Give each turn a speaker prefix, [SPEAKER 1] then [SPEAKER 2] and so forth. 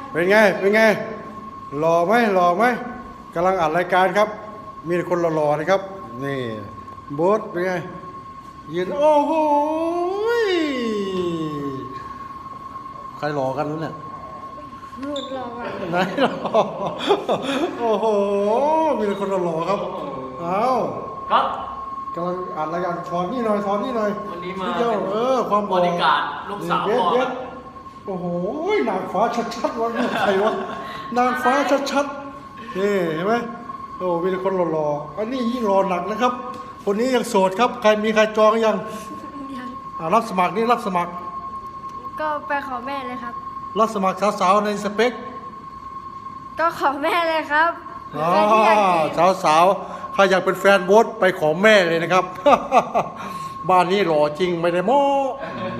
[SPEAKER 1] เป็นไงเป็นไงหล่อไหมหล่อไหมกำลังอัดรายการครับ มีแต่คนหล่อๆนะครับนี่โบ๊ทเป็นไงยืนโอ้โหใครหล่อกันวะเนี่ย
[SPEAKER 2] รูดรอก่อน
[SPEAKER 1] ไหนหล่อโอ้โหมีแต่คนหล่อๆครับเอา
[SPEAKER 3] ครับ
[SPEAKER 1] กำลังอัดรายการช้อนนี่หน่อยช้อนนี่หน่อย
[SPEAKER 3] วันนี้มา
[SPEAKER 1] เดียวความหล่อบ
[SPEAKER 3] ริการลูกสาว
[SPEAKER 1] เย็ด
[SPEAKER 3] พ่อ
[SPEAKER 1] เย็ดโอ้โหนางฟ้าชัดๆวะลูกใครวะนางฟ้าชัดๆนี่เห็นไหมโอ้มีแต่คนหล่อๆอันนี้ยิ่งหล่อหนักนะครับ คนนี้ยังโสดครับใครมีใครจองยัง
[SPEAKER 2] ยัง
[SPEAKER 1] รับสมัครนี่รับสมัคร
[SPEAKER 2] ก็ไปขอแม่เลยครับ
[SPEAKER 1] รับสมัครสาวๆในสเปค
[SPEAKER 2] ก็ขอแม่เลยครับ
[SPEAKER 1] อ๋อ
[SPEAKER 2] ใครที่อยากจีบ
[SPEAKER 1] สาวๆใครอยากเป็นแฟนโบ๊ทไปขอแม่เลยนะครับ บ้านนี้หล่อจริงไม่ได้โม้